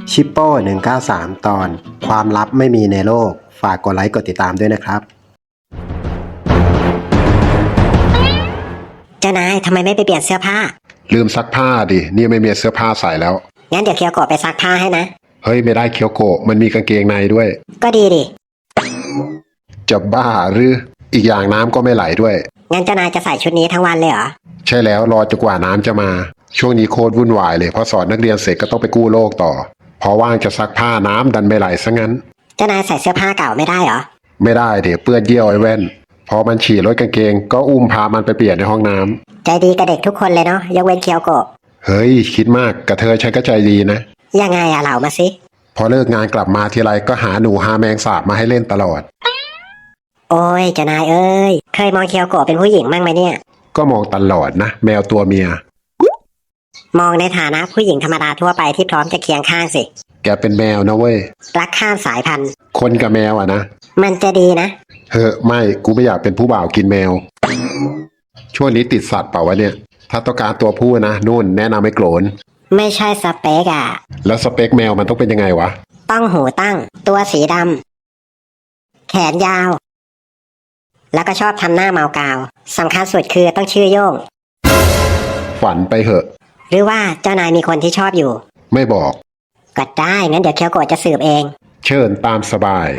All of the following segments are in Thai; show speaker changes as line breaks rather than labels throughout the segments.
ชิปโป้193ตอนความลับไม่มีในโลกฝากกดไลค์กดติดตามด้วยนะครับ
เจ้านายทำไมไม่ไปเปลี่ยนเสื้อผ้า
ลืมซักผ้าดินี่ไม่มีเสื้อผ้าใส่แล้ว
งั้นเดี๋ยวเคียวโกะไปซักผ้าให้นะ
เฮ้ยไม่ได้เคียวโกะมันมีกางเกงในด้วย
ก็ดีดิ
จะบ้าหรืออีกอย่างน้ำก็ไม่ไหลด้วย
งั้นเจ้านายจะใส่ชุดนี้ทั้งวันเลยเหรอ
ใช่แล้วรอจนกว่าน้ำจะมาช่วงนี้โคตรวุ่นวายเลยพอสอนนักเรียนเสร็จก็ต้องไปกู้โลกต่อพอว่างจะซักผ้าน้ำดันไม่ไหลซะงั้น
เจ้านายใส่เสื้อผ้าเก่าไม่ได้เหรอ
ไม่ได้เดี๋ยวเปื้อนเยี่ยวไอ้แว่นพอมันฉี่รถกางเกงก็อุ้มพามันไปเปลี่ยนในห้องน้ำ
ใจดีกับเด็กทุกคนเลยเนาะยกเว้นเคียวโกะ
เฮ้ยคิดมากกระเทยฉันก็ใจดีนะ
ยังไงอะเล่ามาสิ
พอเลิกงานกลับมาทีไรก็หาหนูหาแมงสาบมาให้เล่นตลอด
โอ้ยเจ้านายเอ้ยเคยมองเคียวโกะเป็นผู้หญิงบ้างไหมเนี่ย
ก็มองตลอดนะแมวตัวเมีย
มองในฐานะผู้หญิงธรรมดาทั่วไปที่พร้อมจะเคียงข้างสิ
แกเป็นแมวนะเว้ย
รักข้ามสายพันธุ์
คนกับแมวอะนะ
มันจะดีนะ
เฮ้อไม่กูไม่อยากเป็นผู้บ่าวกินแมวช่วงนี้ติดสัตว์เปล่าวะเนี่ยถ้าต้องการตัวผู้นะนู่นแนะนำให้โกรน
ไม่ใช่สเปกอะ
แล้วสเปคแมวมันต้องเป็นยังไงวะ
ต้องหูตั้งตัวสีดำแขนยาวแล้วก็ชอบทำหน้าเมากาวสำคัญสุดคือต้องชื่อโย่ง
ฝันไปเหอะ
หรือว่าเจ้านายมีคนที่ชอบอยู่
ไม่บอก
ก็ได้งั้นเดี๋ยวเคียวโกะจะสืบเอง
เชิญตามสบาย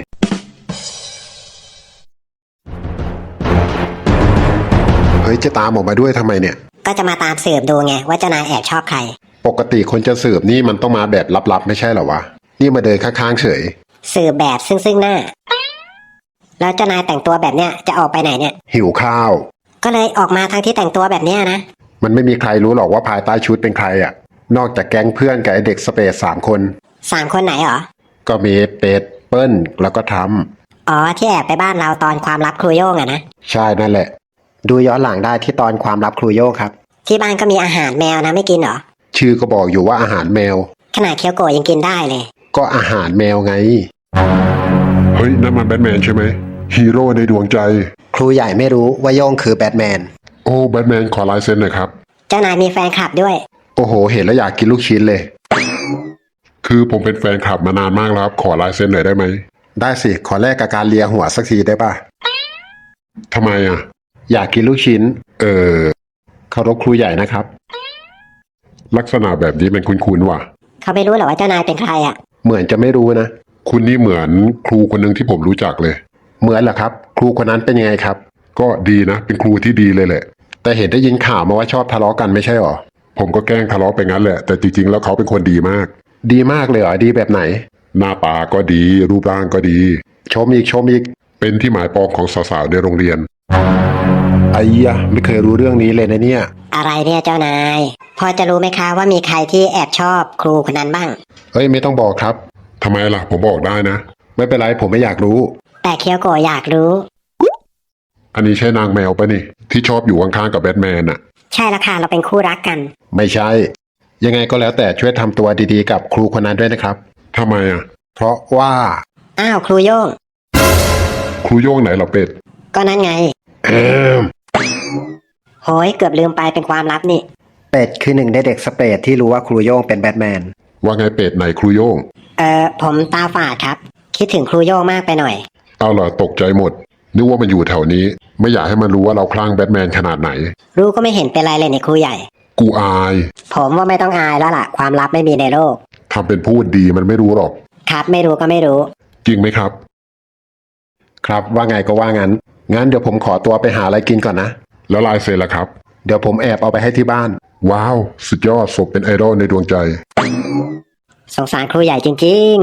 เฮ้ยจะตามออกมาด้วยทำไมเนี่ย
ก็จะมาตามสืบดูไงว่าเจ้านายแอบชอบใคร
ปกติคนจะสืบนี่มันต้องมาแบบลับๆไม่ใช่เหรอวะนี่มาเดินข้างๆเฉย
สืบแบบซึ่งหน้าแล้วเจ้านายแต่งตัวแบบเนี้ยจะออกไปไหนเนี่ย
หิวข้าว
ก็เลยออกมาทั้งที่แต่งตัวแบบเนี้ยนะ
มันไม่มีใครรู้หรอกว่าภายใต้ชุดเป็นใครอ่ะนอกจากแก๊งเพื่อนกับไอเด็กสเปซ3 คน
คนไหนเหรอ
ก็มีเป็ดเปิ้ลแล้วก็ท
ำอ๋อที่แอบไปบ้านเราตอนความลับครูโย่งอะนะ
ใช่นั่นแหละ
ดูย้อนหลังได้ที่ตอนความลับครูโย่งครับ
ที่บ้านก็มีอาหารแมวนะไม่กินเหรอ
ชื่อก็บอกอยู่ว่าอาหารแมว
ขนาดเคียวโกะยังกินได้เลย
ก็อาหารแมวไงเฮ้ยนั่นมันแบทแมนใช่ไหมฮีโร่ในดวงใจ
ครูใหญ่ไม่รู้ว่าโย่งคือแบทแมน
โอ้แบทแมนขอลายเซ็นหน่อยครับ
เจ้านายมีแฟนคลับด้วย
โอ้โหเห็นแล้วอยากกินลูกชิ้นเลยคือผมเป็นแฟนคลับมานานมากแล้วครับขอลายเซ็นหน่อยได้ไหมได้สิขอแลกกับการเลียหัวสักทีได้ป่ะทำไมอ่ะอยากกินลูกชิ้นเคารพครูใหญ่นะครับลักษณะแบบนี้เป็นคุ้นๆว่ะ
เขาไม่รู้หรอว่าเจ้านายเป็นใครอ่ะ
เหมือนจะไม่รู้นะคุณนี่เหมือนครูคนหนึ่งที่ผมรู้จักเลยเหมือนเหรอครับครูคนนั้นเป็นยังไงครับก็ดีนะเป็นครูที่ดีเลยแหละแต่เห็นได้ยินข่าวมาว่าชอบทะเลาะกันไม่ใช่หรอผมก็แกล้งทะเลาะไปงั้นแหละแต่จริงๆแล้วเขาเป็นคนดีมากดีมากเลยเหรอดีแบบไหนหน้าตาก็ดีรูปร่างก็ดีชมอีกเป็นที่หมายปองของสาวๆในโรงเรียนไอ้ยะไม่เคยรู้เรื่องนี้เลยนะเนี่ย
อะไรเนี่ยเจ้านายพอจะรู้ไหมคะว่ามีใครที่แอบชอบครูคนนั้นบ้าง
เฮ้ยไม่ต้องบอกครับทำไมล่ะผมบอกได้นะไม่เป็นไรผมไม่อยากรู้
แต่เคียวโกะอยากรู้
อันนี้ใช่นางแมวปะนี่ที่ชอบอยู่ข้างๆกับแบทแมนน่ะ
ใช่ละค่ะเราเป็นคู่รักกัน
ไม่ใช่ยังไงก็แล้วแต่ช่วยทำตัวดีๆกับครูคนนั้นด้วยนะครับทำไมอ่ะเพราะว่า
อ้าวครูโย่ง
ครูโย่งไหนเหรอเป็ด
ก็นั่นไงโหยเกือบลืมไปเป็นความลับนี่
เป็ดคือหนึ่งในเด็กสเปซที่รู้ว่าครูโย่งเป็นแบทแมน
ว่าไงเป็ดไหนครูโย่ง
ผมตาฝาดครับคิดถึงครูโย่งมากไปหน่อย
เอาล่ะตกใจหมดนึกว่ามันอยู่แถวนี้ไม่อยากให้มันรู้ว่าเราคลั่งแบทแมนขนาดไหน
รู้ก็ไม่เห็นเป็นไรเลยในครูใหญ่
กูอาย
ผมว่าไม่ต้องอายแล้วล่ะความลับไม่มีในโลก
ทำเป็นพูดดีมันไม่รู้หรอก
ครับไม่รู้ก็ไม่รู้
จริงไหมครับ
ครับว่าไงก็ว่างั้นเดี๋ยวผมขอตัวไปหาอะไรกินก่อนนะ
แล้วลายเซ็นล่ะครับ
เดี๋ยวผมแอบเอาไปให้ที่บ้าน
ว้าวสุดยอดสมเป็นไอดอลในดวงใจ
สงสารครูใหญ่จริง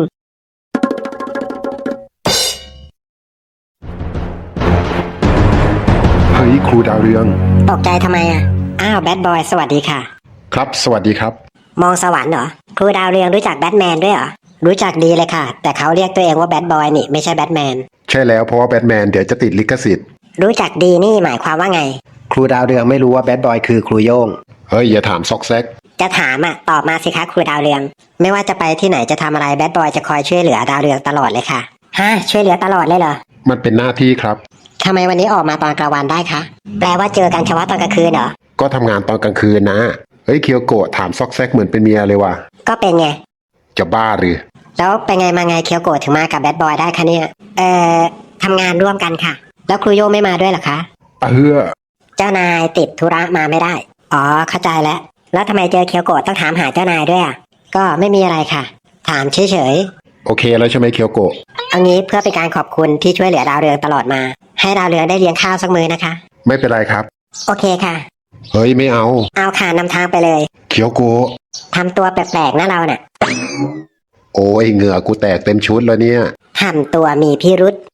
ๆเฮ้ยครูดาวเรือง
ตกใจทำไมอ่ะอ้าวแบทบอยสวัสดีค่ะ
ครับสวัสดีครับ
มองสวรรค์เหรอครูดาวเรืองรู้จักแบทแมนด้วยเหรอรู้จักดีเลยค่ะแต่เขาเรียกตัวเองว่าแบทบอยนี่ไม่ใช่แบทแมน
ใช่แล้วเพราะว่าแบทแมนเดี๋ยวจะติดลิขสิทธิ์
รู้จักดีนี่หมายความว่าไง
ครูดาวเรืองไม่รู้ว่าแบทบอยคือครูโย่ง
เฮ้ยอย่าถามซอกแซก
จะถามอ่ะตอบมาสิคะครูดาวเรืองไม่ว่าจะไปที่ไหนจะทำอะไรแบทบอยจะคอยช่วยเหลือดาวเรืองตลอดเลยค่ะฮะช่วยเหลือตลอดเลยเหรอ
มันเป็นหน้าที่ครับ
ทำไมวันนี้ออกมาตอนกลางวันได้คะแปลว่าเจอกันเฉพาะตอนกลางคืนเหรอ
ก็ทำงานตอนกลางคืนนะเฮ้ยเคียวโกะถามซอกแซกเหมือนเป็นเมียเลยว่ะ
ก็เป็นไง
จะบ้าหรือ
แล้วไปไงมาไงเคียวโกะถึงมากับแบดบอยได้คะเนี่ยทำงานร่วมกันค่ะ แล้วครูโย่งไม่มาด้วยเหรอคะ เจ้านายติดธุระมาไม่ได้อ๋อเข้าใจแล้วทำไมเจอเคียวโกะต้องถามหาเจ้านายด้วยอ่ะก็ไม่มีอะไรค่ะ ถามเฉย
โอเคแล้วใช่ไหมเคียวโกะ
ๆเอางี้เพื่อเป็นการขอบคุณที่ช่วยเหลือดาวเรืองตลอดมา ให้ดาวเรืองได้เลี้ยงข้าวสักมื้อนะคะ
ไม่เป็นไรครับ
โอเคค่ะ
เฮ้ยไม่เอา
เอาค่ะนำทางไปเลย
เคียวโกะ
ทำตัวแปลกๆนะเราน่ะ
โอ้ยเหงื่อกูแตกเต็มชุดแล้วเนี่ย
ทำตัวมีพิรุษ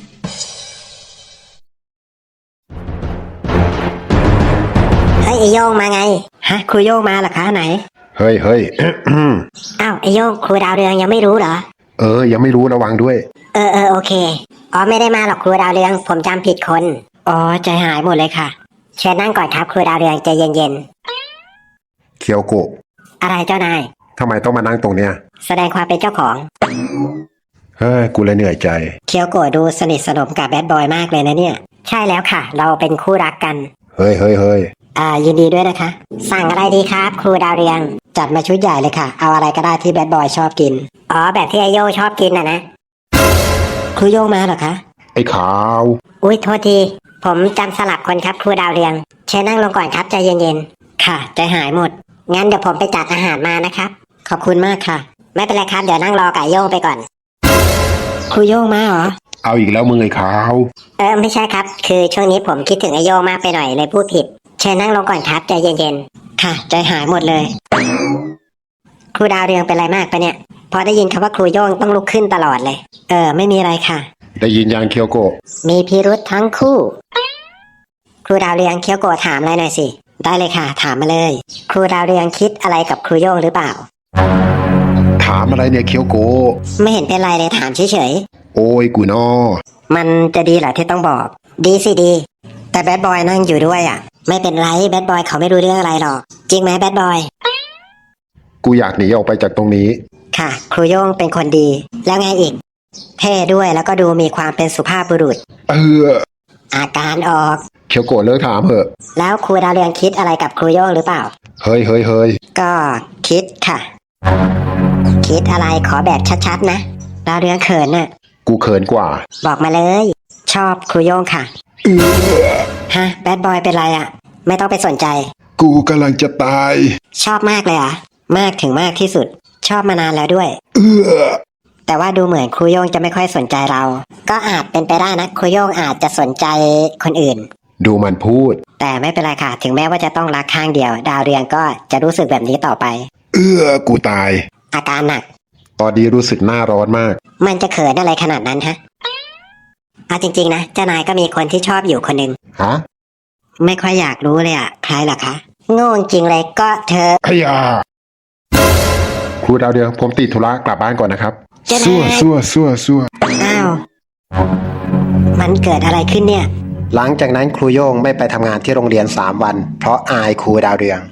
เฮ้ยไอโยงมาไงฮะครูโยงมาเหรอคะไหน
เฮ้ย
อ้าวไอโยงครูดาวเรืองยังไม่รู้เหรอ
ยังไม่รู้ระวังด้วย
โอเคอ๋อไม่ได้มาหรอกครูดาวเรืองผมจำผิดคนอ๋อใจหายหมดเลยค่ะเชิญนั่งก่อนครับครูดาวเรืองใจเย็น
เคียวโกะ
ๆอะไรเจ้านาย
ทำไมต้องมานั่งตรงเนี้ย
แสดงความเป็นเจ้าของ
เฮ้ยกูเลยเหนื่อยใจ
เคียวโกะดูสนิทสนมกับแบดบอยมากเลยนะเนี่ย ใช่แล้วค่ะ เราเป็นคู่รักกัน
เฮ้ย
ยินดีด้วยนะคะ สั่งอะไรดีครับ ครูดาวเรือง จัดมาชุดใหญ่เลยค่ะ เอาอะไรก็ได้ที่แบดบอยชอบกิน อ๋อ แบบที่ไอโยชอบกินนะครูโยงมาเหรอคะ
ไอ้ขาว
อุ้ยโทษที ผมจำสลับคนครับครูดาวเรือง เชิญนั่งลงก่อนครับใจเย็นๆ ค่ะ ใจหายหมด งั้นเดี๋ยวผมไปจัดอาหารมานะครับ ขอบคุณมากค่ะ ไม่เป็นไรครับ เดี๋ยวนั่งรอกับโยงไปก่อน ครูโยงมาเหรอ
เอาอีกแล้วมึงไอ้ขาว
ไม่ใช่ครับ คือช่วงนี้ผมคิดถึงไอโยงมากไปหน่อยเลยพูดผิด เชิญนั่งลงก่อนครับใจเย็นๆ ค่ะ ใจหายหมดเลย ครูดาวเรืองเป็นอะไรมากปะเนี่ย พอได้ยินคำว่าครูโย่งต้องลุกขึ้นตลอดเลย ไม่มีอะไรค่ะ
ได้ยินยังเคียวโกะ
มีพิรุธทั้งคู่ ครูดาวเรืองเคียวโกะถามอะไรหน่อยสิ ได้เลยค่ะ ถามมาเลย ครูดาวเรืองคิดอะไรกับครูโย่งหรือเปล่า
ถามอะไรเนี่ยเคียวโกะ
ไม่เห็นเป็นไรเลยถามเฉย
โอ้ยกูนอ
ๆ มันจะดีเหรอที่ต้องบอก ดีสิดี แต่แบดบอยนั่งอยู่ด้วยอ่ะ ไม่เป็นไรแบดบอยเขาไม่รู้เรื่องอะไรหรอก จริงไหมแบดบอย
กูอยากหนีออกไปจากตรงนี้
ค่ะ ครูโย่งเป็นคนดี แล้วไงอีก เท่ด้วยแล้วก็ดูมีความเป็นสุภาพบุรุษ อาการออก
เคียวโกะเลิกถามเถอะ
แล้วครูดาวเรืองคิดอะไรกับครูโย่งหรือเปล่า
เฮ้ย
ก็คิดค่ะ คิดอะไรขอแบบชัดๆนะดาวเรืองเขินน่ะ
กูเขินกว่า
บอกมาเลย ชอบครูโย่งค่ะฮะแบดบอยเป็นไรอ่ะ ไม่ต้องไปสนใจ
กูกำลังจะตาย
ชอบมากเลยเหรอ่ะมากถึงมากที่สุด ชอบมานานแล้วด้วย แต่ว่าดูเหมือนครูโย่งจะไม่ค่อยสนใจเรา ก็อาจเป็นไปได้นะครูโย่งอาจจะสนใจคนอื่น
ดูมันพูด
แต่ไม่เป็นไรค่ะ ถึงแม้ว่าจะต้องรักข้างเดียว ดาวเรืองก็จะรู้สึกแบบนี้ต่อไป
กูตาย
อาการหนัก
ตอนนี้รู้สึกหน้าร้อนมาก
มันจะเขินอะไรขนาดนั้นฮะเอาจริงๆนะเจ้านายก็มีคนที่ชอบอยู่คนหนึ่ง
ฮะ
ไม่ค่อยอยากรู้เลยอ่ะใครเหรอคะโง่จริงเลยก็เธอ
ไอ้ยาครูดาวเดืองผมติดธุระกลับบ้านก่อนนะครับ
เจ้านาย
ซั่ว
อ้าวมันเกิดอะไรขึ้นเนี่ย
หลังจากนั้นครูโย่งไม่ไปทำงานที่โรงเรียน3 วัน เพราะอายครูดาวเรือง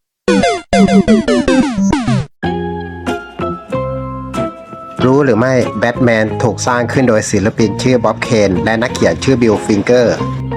รู้หรือไม่แบทแมนถูกสร้างขึ้นโดยศิลปินชื่อบ๊อบเคนและนักเขียนชื่อบิลฟิงเกอร์